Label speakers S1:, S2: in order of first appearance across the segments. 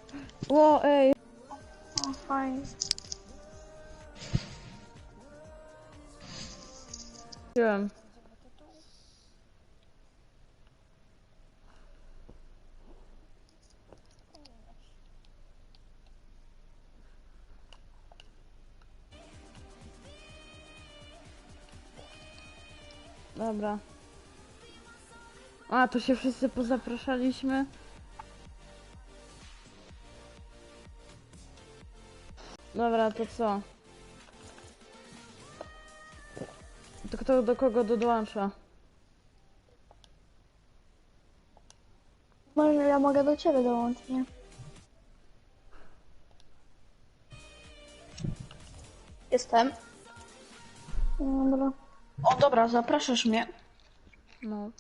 S1: Ło, ej.
S2: O, fajnie.
S1: Wziąłem. Dobra. A, tu się wszyscy pozapraszaliśmy. Dobra, to co? To kto do kogo dołącza?
S2: Może ja mogę do ciebie dołączyć, nie? Jestem. Dobra. O, dobra, zapraszasz mnie.
S1: No.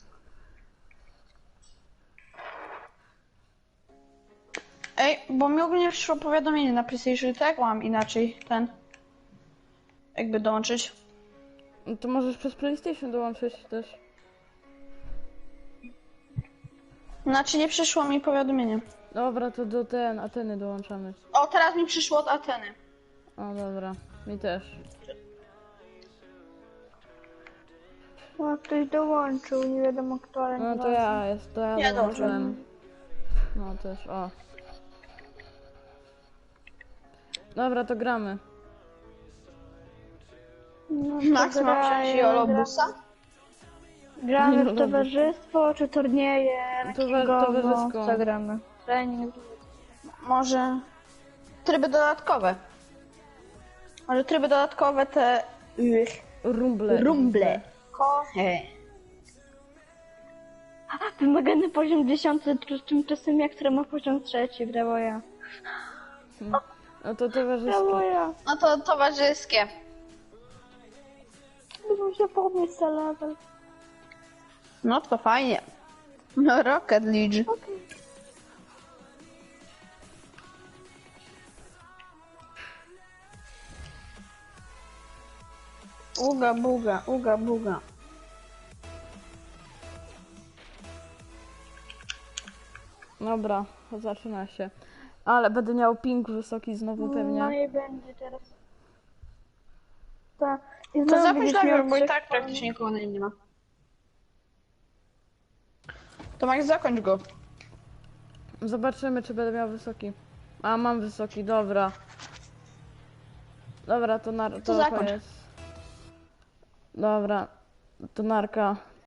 S2: Ej, bo mi ogólnie przyszło powiadomienie na PlayStation, tak? Mam inaczej ten... jakby dołączyć.
S1: No to możesz przez PlayStation dołączyć też.
S2: Znaczy nie przyszło mi powiadomienie.
S1: Dobra, to do Ateny dołączamy.
S2: O, teraz mi przyszło od Ateny.
S1: O, dobra. Mi też.
S3: No, ktoś dołączył, nie wiadomo kto, ale
S1: No
S3: nie
S1: to ja
S2: Ja
S1: dołączyłem. No też, o. Dobra, to gramy.
S3: No,
S2: Max ma wziąć Jolobusa?
S3: Gramy
S1: No
S3: w
S1: dobra.
S3: towarzystwo czy turnieje rankingowo?
S1: Towarzysko.
S3: Co gramy? Trening.
S2: Może... tryby dodatkowe. Może tryby dodatkowe te...
S1: Rumble.
S2: He.
S3: Wymagany poziom 10, tymczasem ja, która ma poziom 3, brawo ja.
S1: No to
S3: Brawo
S1: towarzyskie.
S3: ja.
S2: No to towarzyskie.
S3: Muszę się podnieść za level.
S2: No to fajnie. No Rocket League.
S3: Okej.
S2: Uga buga, uga buga.
S1: Dobra, zaczyna się. Ale będę miał ping wysoki znowu
S3: No
S1: pewnie.
S3: i będzie teraz. Tak. I
S2: To
S3: znowu
S2: zapisz
S3: będziesz miał
S2: najpierw, bo i
S3: 3
S2: tak praktycznie nikogo na nim nie ma. To Max, zakończ go.
S1: Zobaczymy, czy będę miał wysoki. A, mam wysoki, dobra. Dobra, to
S2: To zakończ.
S1: koniec. Dobra, to narka.